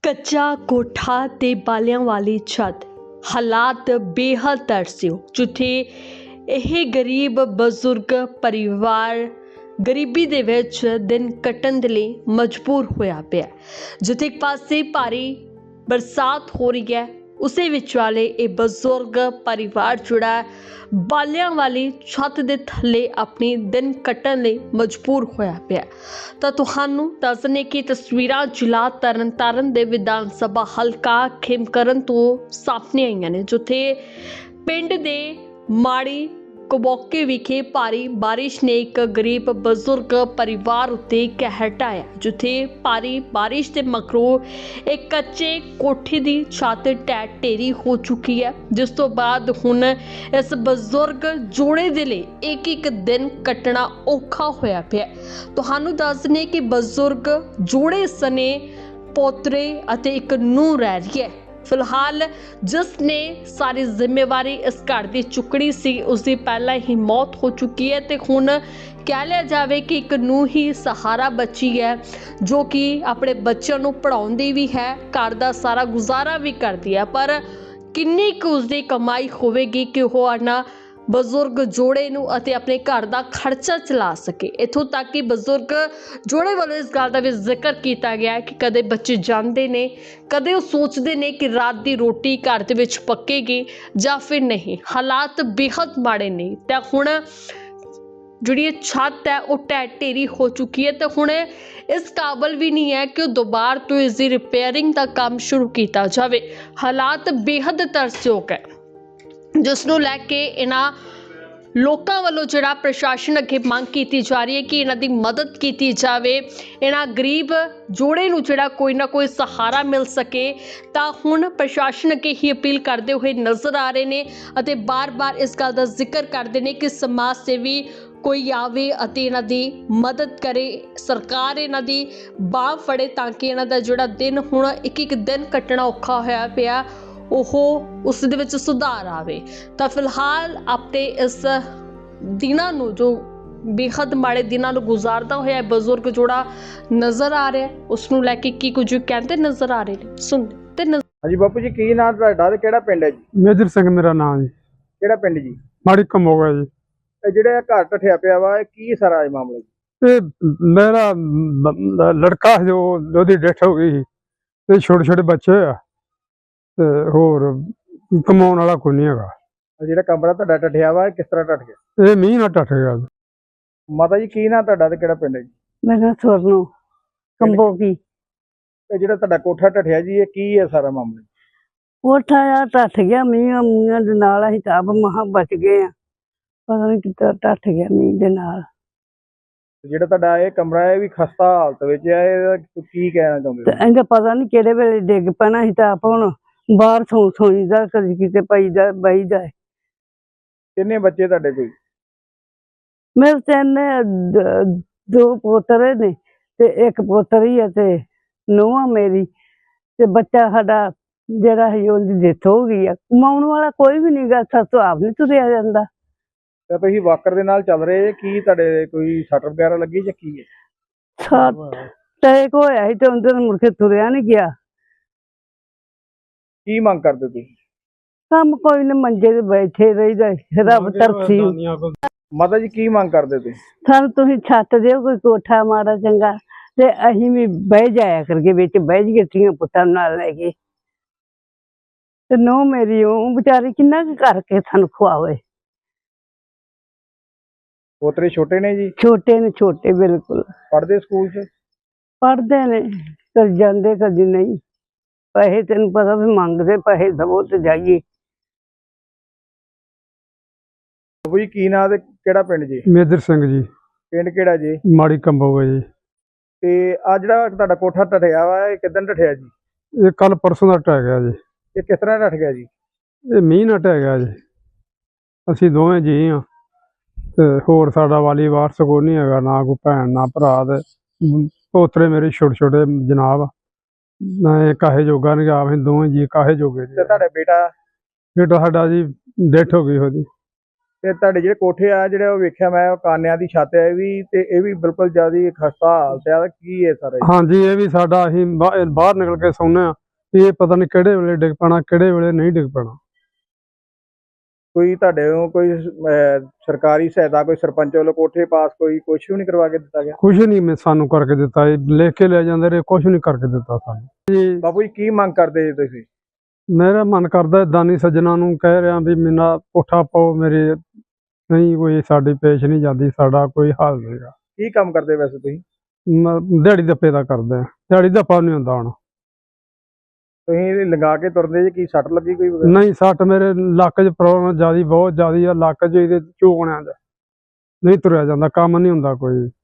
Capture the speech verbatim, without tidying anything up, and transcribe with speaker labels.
Speaker 1: ਕੱਚਾ ਕੋਠਾ ਤੇ ਬਾਲਿਆਂ ਵਾਲੀ ਛੱਤ ਹਾਲਾਤ ਬੇਹੱਦ ਤਰਸਯੋਗ, ਜਿੱਥੇ ਇਹ ਗਰੀਬ ਬਜ਼ੁਰਗ ਪਰਿਵਾਰ ਗਰੀਬੀ ਦੇ ਵਿੱਚ ਦਿਨ ਕੱਟਣ ਦੇ ਲਈ ਮਜਬੂਰ ਹੋਇਆ ਪਿਆ। ਜਿੱਥੇ ਇੱਕ ਪਾਸੇ ਭਾਰੀ ਬਰਸਾਤ ਹੋ ਰਹੀ ਹੈ, ਉਸੇ ਵਿੱਚ ਵਾਲੇ ਇਹ ਬਜ਼ੁਰਗ ਪਰਿਵਾਰ ਜਿਹੜਾ ਬਾਲਿਆਂ ਵਾਲੀ ਛੱਤ ਦੇ ਥੱਲੇ ਆਪਣੀ ਦਿਨ ਕੱਟਣ ਲਈ ਮਜਬੂਰ ਹੋਇਆ ਪਿਆ। ਤਾਂ ਤੁਹਾਨੂੰ ਦੱਸ ਦਿੰਦੇ ਕਿ ਤਸਵੀਰਾਂ ਜ਼ਿਲ੍ਹਾ ਤਰਨਤਾਰਨ ਦੇ ਵਿਧਾਨ ਸਭਾ ਹਲਕਾ ਖੇਮਕਰਨ ਤੋਂ ਸਾਹਮਣੇ ਆਈਆਂ ਨੇ, ਜਿੱਥੇ ਪਿੰਡ ਦੇ ਮਾੜੀ ਕਬੋਕੇ ਵਿਖੇ ਭਾਰੀ ਬਾਰਿਸ਼ ਨੇ ਇੱਕ ਗਰੀਬ ਬਜ਼ੁਰਗ ਪਰਿਵਾਰ ਉੱਤੇ ਕਹਿਰ ਢਾਇਆ। ਜਿੱਥੇ ਭਾਰੀ ਬਾਰਿਸ਼ ਦੇ ਮਗਰੋਂ ਇੱਕ ਕੱਚੇ ਕੋਠੇ ਦੀ ਛੱਤ ਢਹਿ ਢੇਰੀ ਹੋ ਚੁੱਕੀ ਹੈ, ਜਿਸ ਤੋਂ ਬਾਅਦ ਹੁਣ ਇਸ ਬਜ਼ੁਰਗ ਜੋੜੇ ਦੇ ਲਈ ਇੱਕ ਇੱਕ ਦਿਨ ਕੱਟਣਾ ਔਖਾ ਹੋਇਆ ਪਿਆ। ਤੁਹਾਨੂੰ ਦੱਸ ਦਿੰਦੇ ਕਿ ਬਜ਼ੁਰਗ ਜੋੜੇ ਸਣੇ ਪੋਤਰੇ ਅਤੇ ਇੱਕ ਨੂੰਹ ਰਹਿ ਰਹੀ ਹੈ। ਫਿਲਹਾਲ ਜਿਸ ਨੇ ਸਾਰੀ ਜ਼ਿੰਮੇਵਾਰੀ ਇਸ ਘਰ ਦੀ ਚੁੱਕਣੀ ਸੀ, ਉਸ ਦੀ ਪਹਿਲਾਂ ਹੀ ਮੌਤ ਹੋ ਚੁੱਕੀ ਹੈ ਤੇ ਹੁਣ ਕਹਿ ਲਿਆ ਜਾਵੇ ਕਿ ਇੱਕ ਨੂੰ ਹੀ ਸਹਾਰਾ ਬਚੀ ਹੈ, ਜੋ ਕਿ ਆਪਣੇ ਬੱਚਿਆਂ ਨੂੰ ਪੜ੍ਹਾਉਂਦੀ ਵੀ ਹੈ, ਘਰ ਦਾ ਸਾਰਾ ਗੁਜ਼ਾਰਾ ਵੀ ਕਰਦੀ ਹੈ। ਪਰ ਕਿੰਨੀ ਕੁ ਉਸਦੀ ਕਮਾਈ ਹੋਵੇਗੀ ਕਿ ਉਹ ਆਣਾ ਬਜ਼ੁਰਗ ਜੋੜੇ ਨੂੰ ਅਤੇ ਆਪਣੇ ਘਰ ਦਾ ਖਰਚਾ ਚਲਾ ਸਕੇ। ਇੱਥੋਂ ਤੱਕ ਕਿ ਬਜ਼ੁਰਗ ਜੋੜੇ ਵੱਲੋਂ ਇਸ ਗੱਲ ਦਾ ਵੀ ਜ਼ਿਕਰ ਕੀਤਾ ਗਿਆ ਕਿ ਕਦੇ ਬੱਚੇ ਜਾਂਦੇ ਨੇ, ਕਦੇ ਉਹ ਸੋਚਦੇ ਨੇ ਕਿ ਰਾਤ ਦੀ ਰੋਟੀ ਘਰ ਦੇ ਵਿੱਚ ਪੱਕੇਗੀ ਜਾਂ ਫਿਰ ਨਹੀਂ। ਹਾਲਾਤ ਬੇਹੱਦ ਮਾੜੇ ਨੇ ਤਾਂ ਹੁਣ ਜਿਹੜੀ ਇਹ ਛੱਤ ਹੈ ਉਹ ਢਹਿ ਢੇਰੀ ਹੋ ਚੁੱਕੀ ਹੈ ਤੇ ਹੁਣ ਇਸ ਕਾਬਲ ਵੀ ਨਹੀਂ ਹੈ ਕਿ ਉਹ ਦੁਬਾਰਾ ਤੋਂ ਇਸ ਦੀ ਰਿਪੇਅਰਿੰਗ ਦਾ ਕੰਮ ਸ਼ੁਰੂ ਕੀਤਾ ਜਾਵੇ। ਹਾਲਾਤ ਬੇਹੱਦ ਤਰਸਯੋਗ ਹੈ, ਜਿਸ ਨੂੰ ਲੈ ਕੇ ਇਹਨਾਂ ਲੋਕਾਂ ਵੱਲੋਂ ਜਿਹੜਾ ਪ੍ਰਸ਼ਾਸਨ ਅੱਗੇ ਮੰਗ ਕੀਤੀ ਜਾ ਰਹੀ ਹੈ ਕਿ ਇਹਨਾਂ ਦੀ ਮਦਦ ਕੀਤੀ ਜਾਵੇ, ਇਹਨਾਂ ਗਰੀਬ ਜੋੜੇ ਨੂੰ ਜਿਹੜਾ ਕੋਈ ਨਾ ਕੋਈ ਸਹਾਰਾ ਮਿਲ ਸਕੇ। ਤਾਂ ਹੁਣ ਪ੍ਰਸ਼ਾਸਨ ਅੱਗੇ ਹੀ ਅਪੀਲ ਕਰਦੇ ਹੋਏ ਨਜ਼ਰ ਆ ਰਹੇ ਨੇ ਅਤੇ ਬਾਰ-ਬਾਰ ਇਸ ਗੱਲ ਦਾ ਜ਼ਿਕਰ ਕਰਦੇ ਨੇ ਕਿ ਸਮਾਜ ਸੇਵੀ ਕੋਈ ਆਵੇ ਅਤੇ ਇਹਨਾਂ ਦੀ ਮਦਦ ਕਰੇ, ਸਰਕਾਰ ਇਹਨਾਂ ਦੀ ਬਾਂਹ ਫੜੇ ਤਾਂ ਕਿ ਇਹਨਾਂ ਦਾ ਜਿਹੜਾ ਦਿਨ ਹੁਣ ਇੱਕ ਇੱਕ ਦਿਨ ਕੱਟਣਾ ਔਖਾ ਹੋਇਆ ਪਿਆ, ਉਹ ਉਸ ਦੇ ਵਿੱਚ ਸੁਧਾਰ ਆਵੇ। ਤਾਂ ਫਿਲਹਾਲ ਆਪਣੇ ਇਸ ਦਿਨਾਂ ਨੂੰ, ਜੋ ਬੇਹੱਦ ਮਾੜੇ ਦਿਨਾਂ ਨੂੰ ਗੁਜ਼ਾਰਦਾ ਹੋਇਆ ਬਜ਼ੁਰਗ ਜੋੜਾ ਨਜ਼ਰ ਆ ਰਿਹਾ, ਉਸ ਨੂੰ ਲੈ ਕੇ ਕੀ ਕੁਝ ਕਹਿੰਦੇ ਨਜ਼ਰ ਆ ਰਹੇ ਨੇ, ਸੁਣਦੇ ਤੇ ਨਜ਼ਰ।
Speaker 2: ਹਾਂਜੀ ਬਾਪੂ ਜੀ, ਕੀ ਨਾਮ ਤੁਹਾਡਾ ਤੇ ਕਿਹੜਾ ਪਿੰਡ ਹੈ ਜੀ?
Speaker 3: ਮੇਜਰ ਸਿੰਘ ਮੇਰਾ ਨਾਮ ਜੀ।
Speaker 2: ਕਿਹੜਾ ਪਿੰਡ ਜੀ?
Speaker 3: ਮਾੜੀ ਕਮੋਗਾ ਜੀ।
Speaker 2: ਇਹ ਜਿਹੜਾ ਘਰ ਟੱਠਿਆ ਪਿਆ ਵਾ, ਇਹ ਕੀ ਸਾਰਾ ਇਹ ਮਾਮਲਾ ਜੀ?
Speaker 3: ਇਹ ਮੇਰਾ ਬ- ਲੜਕਾ ਜੋ ਉਹਦੀ ਡੈਥ ਹੋ ਗਈ ਸੀ ਤੇ ਛੋਟੇ ਛੋਟੇ ਬੱਚੇ ਆ ਤੇ ਹੋਰ ਕਮਾਉਣ ਵਾਲਾ ਕੋਈ ਨਹੀਂ ਹੈਗਾ।
Speaker 2: ਇਹ ਜਿਹੜਾ ਕਮਰਾ ਤੁਹਾਡਾ ਟੱਠਿਆ ਵਾ, ਇਹ ਕਿਸ ਤਰ੍ਹਾਂ ਟੱਠ ਗਿਆ?
Speaker 3: ਇਹ ਮੀਂਹ ਨਾਲ ਟੱਟ ਗਿਆ ਜੀ।
Speaker 2: ਮਾਤਾ ਜੀ, ਕੀ ਨਾਮ ਤੁਹਾਡਾ ਤੇ ਕਿਹੜਾ ਪਿੰਡ ਹੈ ਜੀ?
Speaker 4: ਮੇਰਾ ਸਵਰਨੋ ਕੰਬੋਕੀ।
Speaker 2: ਇਹ ਜਿਹੜਾ ਤੁਹਾਡਾ ਕੋਠਾ ਟੱਠਿਆ ਜੀ, ਇਹ ਕੀ ਹੈ ਸਾਰਾ ਮਾਮਲਾ?
Speaker 4: ਕੋਠਾ ਆ ਟੱਟ ਗਿਆ ਮੀਂਹ ਮੀਂਹ ਦੇ ਨਾਲ, ਅਸੀਂ ਤਾਂ ਆਪ ਮਹਾਂ ਬਚ ਗਏ ਆ, ਪਤਾ ਨਹੀਂ ਕਿੱਦਾਂ ਟੱਟ ਗਿਆ ਮੀਂਹ ਦੇ ਨਾਲ।
Speaker 2: ਜਿਹੜਾ ਤੁਹਾਡਾ ਇਹ ਕਮਰਾ ਹੈ, ਇਹ ਵੀ ਖਸਤਾ ਹਾਲਤ ਵਿੱਚ ਹੈ, ਇਹਦਾ ਕੀ ਕਹਿਣਾ ਚਾਹੁੰਦੇ
Speaker 4: ਤੇ
Speaker 2: ਹੋ?
Speaker 4: ਇਹਦਾ ਪਤਾ ਨਹੀਂ ਕਿਹੜੇ ਵੇਲੇ ਡਿੱਗ ਪੈਣਾ, ਅਸੀਂ ਤਾਂ ਆਪ ਹੁਣ ਬਾਹਰ ਸੌਂ ਸੌਂਈਦਾ, ਕਦੀ ਕਿਤੇ ਪਈਦਾ ਬਹੀਦਾ।
Speaker 2: ਕਿੰਨੇ ਬੱਚੇ ਤੁਹਾਡੇ ਕੋਈ?
Speaker 4: ਮੇਰੇ ਤਿੰਨ ਦ- ਦੋ ਪੋਤਰੇ ਨੇ ਤੇ ਇੱਕ ਪੋਤਰੀ ਹੈ ਤੇ ਨੂੰਹ ਮੇਰੀ ਤੇ ਬੱਚਾ ਸਾਡਾ ਜਿਹੜਾ ਹੈ ਉਹਦੀ ਡੈਥ ਹੋ ਗਈ ਆ। ਕਮਾਉਣ ਵਾਲਾ ਕੋਈ ਵੀ ਨਹੀਂ ਗਾ, ਸਾਥੋਂ ਆਪ ਨਹੀਂ ਤੁਰਿਆ ਜਾਂਦਾ।
Speaker 2: ਤੇ ਤੁਸੀਂ ਵਾਕਰ ਦੇ ਨਾਲ ਚੱਲ ਰਹੇ, ਕੀ ਤੁਹਾਡੇ ਕੋਈ ਸੱਟ ਵਗੈਰਾ ਲੱਗੀ ਜਾਂ ਕੀ ਹੈ?
Speaker 4: ਸੱਤ ਟੈਕ ਹੋਇਆ ਸੀ ਤੇ ਉਹਦੇ ਨਾਲ ਮੁੜ ਕੇ ਤੁਰਿਆ ਨਹੀਂ ਗਿਆ।
Speaker 2: ਕੀ ਮੰਗ ਕਰਦੇ ਤੁਸੀਂ?
Speaker 4: ਕੰਮ ਕੋਈ ਨਾ, ਮੰਜੇ ਤੇ ਬੈਠੇ ਰਹੀਦਾ, ਰੱਬ ਤਰਸੀ।
Speaker 2: ਮਾਤਾ ਜੀ, ਕੀ ਮੰਗ ਕਰਦੇ ਤੁਸੀਂ?
Speaker 4: ਸਾਨੂੰ ਤੁਸੀਂ ਛੱਤ ਦਿਓ, ਕੋਈ ਕੋਠਾ ਮਾੜਾ ਚੰਗਾ, ਤੇ ਅਸੀਂ ਵੀ ਬਹਿ ਜਾਇਆ ਕਰਕੇ ਵਿੱਚ ਬਹਿ ਜੀਏ ਧੀਆਂ ਪੁੱਤਾਂ ਨਾਲ ਲੈ ਕੇ। ਤੇ ਨੋ ਮੇਰੀ ਉਹ ਵਿਚਾਰੀ ਕਿੰਨਾ ਕੁ ਕਰਕੇ ਸਾਨੂੰ ਖਵਾਵੇ।
Speaker 2: ਪੋਤਰੇ ਛੋਟੇ ਨੇ ਜੀ?
Speaker 4: ਛੋਟੇ ਨੇ, ਛੋਟੇ ਬਿਲਕੁਲ।
Speaker 2: ਪੜ੍ਹਦੇ ਸਕੂਲ 'ਚ?
Speaker 4: ਪੜ੍ਹਦੇ ਨੇ, ਕਦੀ ਜਾਂਦੇ ਕਦੀ ਨਹੀਂ। ਪੈਸੇ ਤੈਨੂੰ ਪਤਾ ਵੀ ਮੰਗਦੇ, ਪੈਸੇ ਦਵੋ ਤੇ ਜਾਈਏ।
Speaker 2: ਬਾਬੂ ਜੀ, ਕੀ ਨਾਂ ਤੇ ਕਿਹੜਾ ਪਿੰਡ ਜੀ?
Speaker 3: ਮੇਜਰ ਸਿੰਘ ਜੀ।
Speaker 2: ਪਿੰਡ ਕਿਹੜਾ ਜੀ?
Speaker 3: ਮਾੜੀ ਕਮੋਗਾ ਜੀ।
Speaker 2: ਤੇ ਆ ਜਿਹੜਾ ਤੁਹਾਡਾ ਕੋਠਾ ਟੱਠਿਆ ਵਾ, ਇਹ ਕਿੱਦਣ ਟੱਠਿਆ ਜੀ?
Speaker 3: ਇਹ ਕੱਲ ਪਰਸੋਂ ਦਾ ਢਹਿ ਗਿਆ ਜੀ।
Speaker 2: ਇਹ ਕਿਸ ਤਰ੍ਹਾਂ ਟੱਠ ਗਿਆ ਜੀ?
Speaker 3: ਇਹ ਮੀਂਹ ਨਾਲ ਢਹਿ ਗਿਆ ਜੀ। ਅਸੀਂ ਦੋਵੇਂ ਜੀ ਹਾਂ ਤੇ ਹੋਰ ਸਾਡਾ ਵਾਲੀ ਵਾਰਸ ਕੋਈ ਨਹੀਂ ਹੈਗਾ, ਨਾ ਕੋਈ ਭੈਣ ਨਾ ਭਰਾ। ਤੇ ਪੋਤਰੇ ਮੇਰੇ ਛੋਟੇ ਛੋਟੇ ਜਨਾਬ, ਨਾ ਕਾਹੇ ਜੋਗਾ ਨਹੀਂ ਗਾ, ਅਸੀਂ ਦੋਵੇਂ ਜੀ ਕਾਹੇ ਜੋਗੇ
Speaker 2: ਤੇ
Speaker 3: ਜੀ।
Speaker 2: ਤੁਹਾਡਾ ਬੇਟਾ?
Speaker 3: ਬੇਟਾ ਸਾਡਾ ਜੀ ਡੈਥ ਹੋ ਗਈ ਉਹਦੀ।
Speaker 2: ਤੇ ਤੁਹਾਡੇ ਜਿਹੜੇ ਕੋਠੇ ਆ ਜਿਹੜੇ ਉਹ ਵੇਖਿਆ ਮੈਂ ਉਹ ਕਾਨਿਆਂ ਦੀ ਛੱਤ ਹੈ ਇਹ ਵੀ ਤੇ ਇਹ ਵੀ ਬਿਲਕੁਲ ਜ਼ਿਆਦਾ ਖਸਤਾ ਹਾਲਤ ਆ ਕੀ ਹੈ ਸਰ?
Speaker 3: ਹਾਂਜੀ ਇਹ ਵੀ ਸਾਡਾ ਅਸੀਂ ਬਾ- ਬਾਹਰ ਨਿਕਲ ਕੇ ਸੌਂਦੇ ਆ, ਇਹ ਪਤਾ ਨਹੀਂ ਕਿਹੜੇ ਵੇਲੇ ਡਿੱਗ ਪੈਣਾ ਕਿਹੜੇ ਵੇਲੇ ਨਹੀਂ ਡਿੱਗ ਪੈਣਾ।
Speaker 2: ਕੋਈ ਤੁਹਾਡੇ ਨੂੰ ਕੋਈ ਅਹ, ਸਰਕਾਰੀ ਸਹਾਇਤਾ ਕੋਈ ਸਰਪੰਚ ਵੱਲੋਂ ਕੋਠੇ ਪਾਸ ਕੋਈ ਕੁਛ ਵੀ ਨਹੀਂ ਕਰਵਾ ਕੇ ਦਿੱਤਾ ਗਿਆ?
Speaker 3: ਕੁਛ ਨਹੀਂ ਮੈਂ ਸਾਨੂੰ ਕਰਕੇ ਦਿੱਤਾ, ਇਹ ਲਿਖ ਕੇ ਲੈ ਜਾਂਦੇ ਰਹੇ, ਕੁਛ ਨਹੀਂ ਕਰਕੇ ਦਿੱਤਾ ਸਾਨੂੰ ਜੀ।
Speaker 2: ਬਾਪੂ ਜੀ ਕੀ ਮੰਗ ਕਰਦੇ ਜੀ ਤੁਸੀਂ?
Speaker 3: ਮੇਰਾ ਮਨ ਕਰਦਾ ਦਾਨੀ ਸੱਜਣਾ ਨੂੰ ਕਹਿ ਰਿਹਾ ਵੀ ਮੇਰਾ ਕੋਠਾ ਪਾਓ, ਮੇਰੇ ਨਹੀਂ ਕੋਈ ਸਾਡੀ ਪੇਸ਼ ਨਹੀਂ ਜਾਂਦੀ, ਸਾਡਾ ਕੋਈ ਹੱਲ ਨਹੀਂਗਾ।
Speaker 2: ਕੀ ਕੰਮ ਕਰਦੇ ਵੈਸੇ ਤੁਸੀਂ?
Speaker 3: ਮ- ਦਿਹਾੜੀ ਦੱਪੇ ਦਾ ਕਰਦੇ ਆ, ਦਿਹਾੜੀ ਦੱਪਾ ਨਹੀਂ ਹੁੰਦਾ ਹੁਣ।
Speaker 2: ਤੁਸੀਂ ਲਗਾ ਕੇ ਤੁਰਦੇ ਜੀ, ਕੀ ਸੱਟ ਲੱਗੀ ਕੋਈ ਵਗੈਰਾ?
Speaker 3: ਨਹੀਂ ਸੱਟ ਮੇਰੇ ਲੱਕ 'ਚ ਪ੍ਰੋਬਲਮ ਜ਼ਿਆਦੀ ਬਹੁਤ ਜ਼ਿਆਦੀ ਆ, ਲੱਕ 'ਚ ਇਹਦੇ ਝੂਕਣਿਆਂ 'ਚ ਨਹੀਂ ਤੁਰਿਆ ਜਾਂਦਾ, ਕੰਮ ਨਹੀਂ ਹੁੰਦਾ ਕੋਈ।